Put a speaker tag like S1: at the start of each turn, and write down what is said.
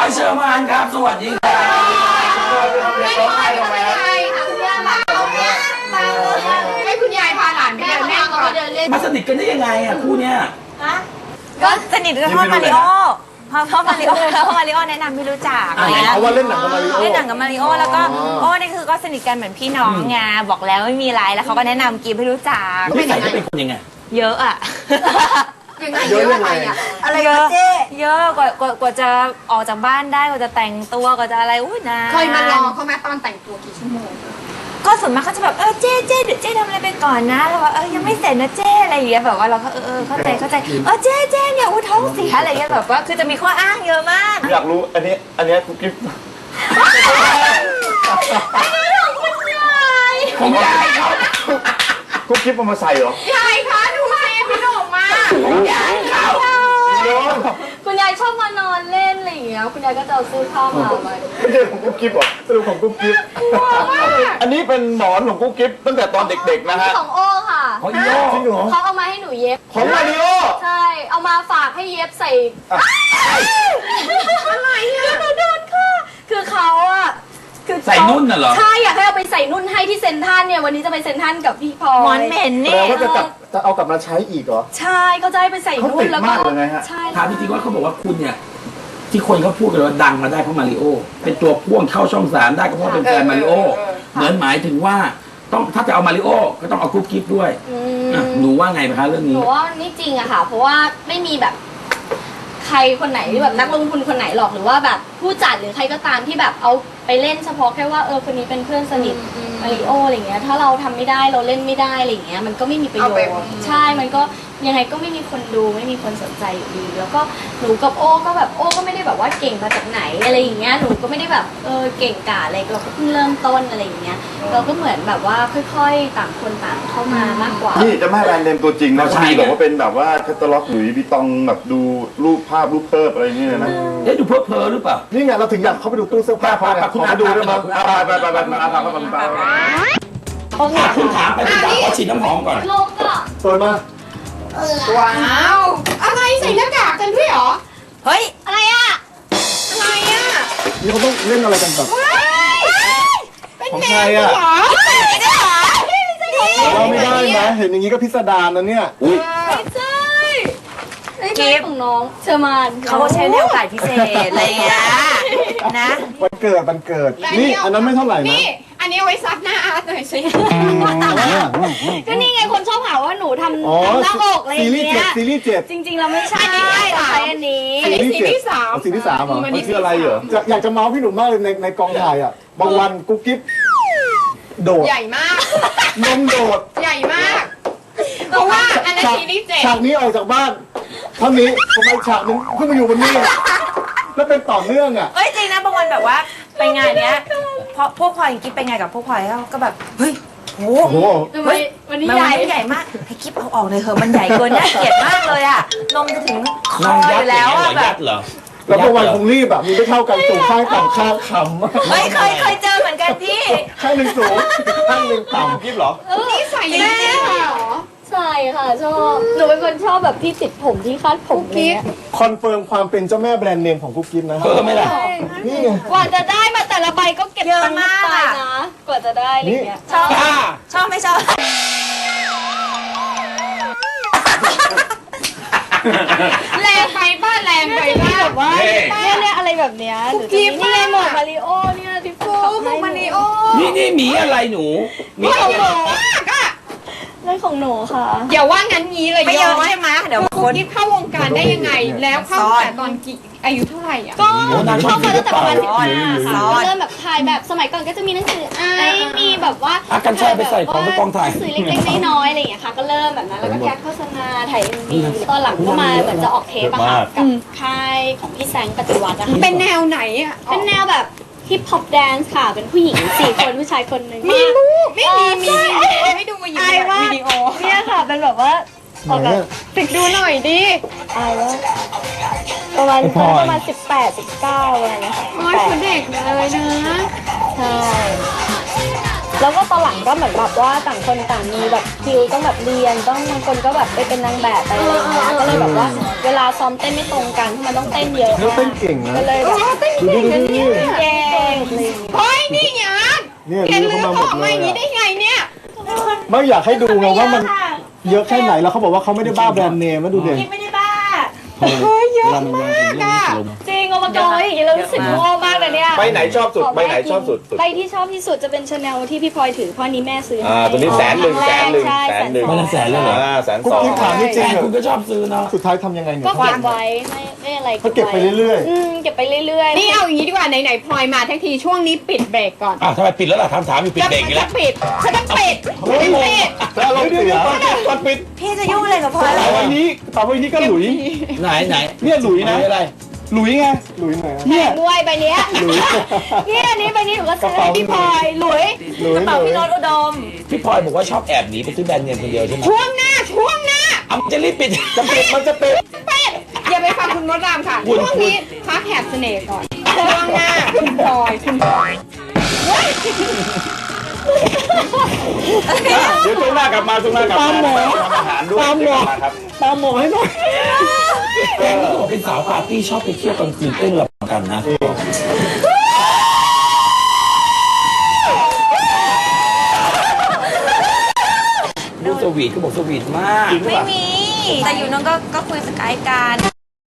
S1: เชอร์มานครับสวัสดีครับ
S2: ไม่ร้องไห้ทำไมค่ะคุณย่ามาให้คุณยายพาหลานไปเดินเล่นก่อน
S1: มาสนิทกันได้ยังไงอ่ะคู่เนี้ย
S3: ก็สนิทกับพ่อมาริโอพ่อมาริโอแล้วพ่อมาริโอแนะนำให้รู้จักอะไรนะ
S4: เพราะว่าเล่นหนังกับมาริโอ
S3: เล่นหนังกับมาริโอแล้วก็โอ้นี่คือก็สนิทกันเหมือนพี่น้องไงบอกแล้วไม่มีอะไรแล้วเขาก็แนะนำกิฟให้รู้จัก
S1: นิสัยจะเป็นคนยังไง
S3: เยอะอะ
S2: เยอะยังไงอะ
S3: อะไรเยอะเยอะกว่าจะออกจากบ้านได้กว่าจะแต่งตัวกว่าจะอะไรอุ้ยนะ
S2: เคยมารอเขาไหมตอนแต่งตัวกี่ชั่วโมง
S3: ก็ส่วนมากเขาจะแบบเจ๊เจ๊ทำอะไรไปก่อนนะแล้วว่ายังไม่เสร็จนะเจ๊อะไรอย่างเงี้ยแบบว่าเราก็เข้าใจเจ๊เนี่ยอุ้ยท้องเสียอะไรเงี้ยแบบว่าคือจะมีข้ออ้างเยอะมาก
S4: อยากรู้อันนี้กุ๊กกิ๊บ
S1: ของยายเขา
S4: กุ๊กกิ๊บเอามาใส่เหร
S2: อยายคะดูสิพี่หนุ่มมา
S1: ของยายเขา
S5: คุณยายชอบมานอนเล่นอะไรอย่างเงี้ยคุณยายก็จะเอาเสื้อผ้ามา
S4: ไม่ใช่ของกุ๊กกิ๊บหรอสรุปของกุ๊กกิ๊บอันนี้เป็นหมอนของกุ๊กกิ๊บตั้งแต่ตอนเด็กๆนะฮะ
S5: ของโอ้ค่ะ
S1: ของอีโอ
S4: จริงเหรอ
S5: เขาเอามาให้หนูเย็บ
S4: ของมาริโอ
S5: ใช่เอามาฝากให้เย็บใส่อะไรอ่ะหนูโดนค่ะคือเขาอะ
S1: ใส่นุ่นน่ะเหรอ
S5: ใช่อยากให้เอาไปใส่นุ่นให้ที่เซนทันเนี่ยวันนี้จะไปเซนทันกับพี่พลอย
S3: หมอนเหม็นนี่
S4: แล้วก็จะเอากลับมาใช้อีกเหรอ
S5: ใช่เขาจะให้ไปใส่นุ่นแล้วก็
S4: ใช่
S1: ถามจริงๆว่าเขาบอกว่าคุณเนี่ยที่คนเขาพูดกันว่าดังมาได้เพราะมาริโอเป็นตัวพ่วงเข้าช่อง3ได้ก็เพราะเป็นแฟนมาริโอเหมือนหมายถึงว่าต้องถ้าจะเอามาริโอก็ต้องเอากุ๊กกิ๊บด้วยหนูว่าไงคะเรื่องนี้
S5: หนูว่านี่จริงอะค่ะเพราะว่าไม่มีแบบใครคนไหนแบบนักลงทุนคนไหนหรอกหรือว่าแบบผู้จัดหรือใครก็ตามที่แบบเอาไปเล่นเฉพาะแค่ว่าคนนี้เป็นเพื่อนสนิทมาริโออะไรเงี้ยถ้าเราทำไม่ได้เราเล่นไม่ได้อะไรเงี้ยมันก็ไม่มีประโยชน์ใช่มันก็ยังไงก็ไม่มีคนดูไม่มีคนสนใจอยู่ดีแล้วก็หนูกับโอ้ก็แบบโอ้ก็ไม่ได้แบบว่าเก่งมาจากไหนอะไรอย่างเงี้ยหนูก็ไม่ได้แบบเก่งกาจอะไรเราก็เพิ่งเริ่มต้นอะไรอย่างเงี้ยเราก็เหมือนแบบว่าค่อยๆต่างคนต่างเข้ามามากกว่า
S4: นี่จะไม่แบรนด์เนมตัวจริงนะใช่แบบว่าเป็นแบบว่าแคตตาล็อกหรือบีตองแบบดูรูปภาพรูปเติบอะไรนี่เลยนะ
S1: ดูเพ้อหรือเปล่า
S4: นี่ไงเราถึงอยากเข้าไปดูตู้เสื้อผ้าคุณอาดูด้วยมั้งไป
S1: คุณถามไปคุณถามเขาฉีดน้ำหอมก่อน
S5: ลงก็
S4: สวยมาก
S2: ว้าวอะไรใส่หน้ากากกันด้วยเหรอ
S3: เฮ้ย
S5: อะไรอะ
S2: อะไรอะ
S4: นี่เขาต้องเล่นอะไรกันแบบของใครอะเราไม่ได้นะเห็นอย่างนี้ก็พิสดารนะเนี่ย
S5: ไม่ใช่กิฟของน้องเชอร์มาน
S3: เขาใช้แนวถ่ายพิเศษอะไรอย่างเงี้ยนะ
S4: วันเกิดนี่อันนั้นไม่เท่าไหร่นะ
S2: นี่อันนี้เอาไว้ซับหน้าอาร์ตหน่อยสิ
S5: ก็นี่ไงคนชอบหาว่าหนูทำหน้าอกอะไรอย่างเงี้ย
S4: ซีรีส์7
S5: จริงๆเราไม่ใช่เราใช้อันนี้
S2: ซีรีส์3
S4: เหรอมันคืออะไรเหรออยากจะเมาส์พี่หนุ่มมากเลยในกองถ่ายอ่ะบางวันกุ๊กกิ๊บโดด
S2: ใหญ่มาก
S4: นมโดด
S2: ใหญ่มากเพราะว่าอันนั้นซีรีส์7
S4: ฉากนี้ออกจากบ้านเท่านี้ทำไมฉากนึงขึ้นมาอยู่บนนี้แล้วเป็นต่อเนื่องอ่ะ
S3: จริงนะบางวันแบบว่าไปงานเนี้ยเพราะพวกพลอยกิ๊บไปงานกับพวกพลอยแล้วก็แบบเฮ้ยโอ้โห
S5: วันนี้
S3: ใหญ่มากให้กิ๊บเอาออกเลยเถอะมันใหญ่เกินน่าเกลียดมากเลยอ่ะนมจะถึงคออยู่แล้วอ่ะแบบ
S4: แล้วพอวันคงรีบแบบมีไม่เท่ากันสูงข้างต่ำข้างขำ
S3: เคยเจอเหมือนกันพี่
S4: ข้างหนึ่งสูงข้างหนึ่งต่ำกิ๊บเหรอ
S2: นี่ใส่ยังไงเหรอ
S5: ใช่ค่ะชอบหนูเป็นคนชอบแบบที่ติดผมที่คาดผม
S2: กิ๊บ
S4: คอนเฟิร์มความเป็นเจ้าแม่แบรนด์เนมของกุ๊กกิ๊บนะ
S1: ไม่ล่ะ
S4: นี่ไง
S5: กว่าจะได้มาแต่ละใบก็เก็บตังค์มากนะกว่าจะได้อะไรเงี้ย
S3: ชอบไม่ชอบ
S2: แรงไปบ้านแรงไปบ้าน
S5: แบบว่าเนี่ยอะไรแบบเนี้ยหรือนี่ไงหมวกมาริโอเนี่ยที่ฟู
S2: หมวกมาริโอ
S1: นี่หมีอะไรหนู
S2: มีของหนูก็
S5: เรื่องของหนูค่ะ
S2: อย่าว่างั้นงี้เลย
S3: ไม่เยอะใช่ไหมเดี๋ยว
S2: คนที่เข้าวงการได้ยังไงแล้วเข้าแต่ตอนกี่อายุเท่าไหร่อ่ะ
S5: ก็เข้ามาตั้งแต่ประมาณ15ค่ะก็เริ่มแบบถ่ายแบบสมัยก่อนก็จะมีหนังสือมีแบบว่า
S1: กันใช่ไปใส่ของไปกองถ่าย
S5: สื่อเล็กๆน้อยๆอะไรอย่างเงี้ยค่ะก็เริ่มแบบนั้นแล้วก็แคสโฆษณาถ่ายMVตอนหลังก็มาเหมือนจะออกเทปอะค่ะกับค่ายของพี่แซงปฏิวัติอะ
S2: เป็นแนวไหนอ่ะ
S5: เป็นแนวแบบฮิปฮอปแดนซ์ค่ะเป็นผู้หญิง4 คนผู้ชายคนหนึ่ง
S2: มีรูปไม่มีให้ดูมาอยู่ในวิดีโอ
S5: เนี่ยค่ะเป็นแบบว่าออกแบบ
S2: ติดดูหน่อยดิ
S5: ว่าประมาณ18 19อะไรนะคะ
S2: โอ้ยคนเด็กเลยนะ
S5: ใช่แล้วก็ตอนหลังก็เหมือนแบบว่าต่างคนต่างมีแบบคิวต้องแบบเรียนต้องบางคนก็แบบไปเป็นนางแบบไปอะไรอย่างเงี้ยก็เลยแบบว่าเวลาซ้อมเต้นไม่ตรงกันมันต้องเต้นเยอะ
S4: แล้วเต้นเก่งนะ
S5: ก็เลยแบบ
S4: ดูดูดูนี่
S5: เก่งอะไรอย่างเงี้ย
S2: เฮ้ยนี่หยาด
S4: เนี่ย
S2: เห็น
S4: ดู
S2: ลื
S4: เข้าม มาหม
S2: เขา
S4: ด
S2: ออก
S4: เล
S2: มาอย่างนี้
S4: ย
S2: ได้ไงเนี่ย
S4: ไม่อยากให้ดูไงว่ามันเยอะแค่ไหนแล้วเขาบอกว่าเขาไม่ได้บ้าแบรนด์เนมแล้วดูเด่น
S5: ไม่ได้บ้า
S2: เฮ้ยเยอะมากอะ
S5: จริงเอามากอยอย่างนี้เรารู้สึกโง่มากเลยเนี่ย
S4: ไปไหนชอบสุดไปไหนชอบสุด
S5: ไปที่ชอบที่สุดจะเป็นชาแนลที่พี่พลอยถือเพราะอันนี้แม่ซื้อให้
S4: ตัวนี้100,000
S5: ใช่
S1: วันละแสนเลยเหรอ
S4: 100,000
S1: กุ๊กกิ๊บถามจริง
S4: จริง
S1: ๆคุณก็ชอบซื้อเนาะ
S4: สุดท้ายทำยังไงเนี่ย
S5: ก็เก็บไว้ไม่อะไร
S4: เขาเก็บไปเรื่อย
S5: เก็บไปเรื่อยๆ
S2: นี่เอาอย่างนี้ดีกว่าไหนๆพลอยมาทั้งทีช่วงนี้ปิดเบรกก่อน
S1: อ้าวทำไมปิดแล้วล่ะถามอยู่ปิดเบรกอีกแล้ว
S2: จะปิดฉันจะปิด
S4: เฮ้ย
S2: ปิด
S4: ๆแล้วเราเสียก่อนปิด
S3: พี่จะยุ่งอะไรกับพลอย
S4: ต่อวันนี้ก็หลุย
S1: ไหน
S4: เนี่ยหลุยนะ
S1: อะไร
S4: หลุยไงหลุยไหน
S5: แพงด้วยใบเนี้ย
S4: หลุย
S5: นี่อันนี้ใบนี้หนูก็ซื้อให้พี่พลอยหลุย
S4: หลุย
S3: กระเป๋าพี่โน้ตอุดม
S1: พี่พลอยบอกว่าชอบแอบหนีไปซื้อแบรนด์เนมคนเดียวใช่ไหม
S2: ช่วงหน้า
S1: เอาจะรีบปิด
S4: จะปิดมันจะปิด
S2: ปิดอย่าไปฟังคุณมดรามค่ะ
S1: คุณ
S2: ช่วงนี้พักแหบเสน่ห์ก่อนช่วงหน้าคุณพลอยคุณพลอย
S4: เดี๋ยวช่วงหน้ากลับมาช่วงหน้ากลับมาทำอาหารด้วยเดี๋ยวกลับมาครับ
S1: ตามหมอให้หน่อยแกนี่ก็บอกเป็นสาวปาร์ตี้ชอบไปเที่ยวกลางคืนเต้นระบำกันนะดูสวีทก็บอกสวีทมาก
S3: ไม่มี แต่อยู่น้องก็คุยสกายกัน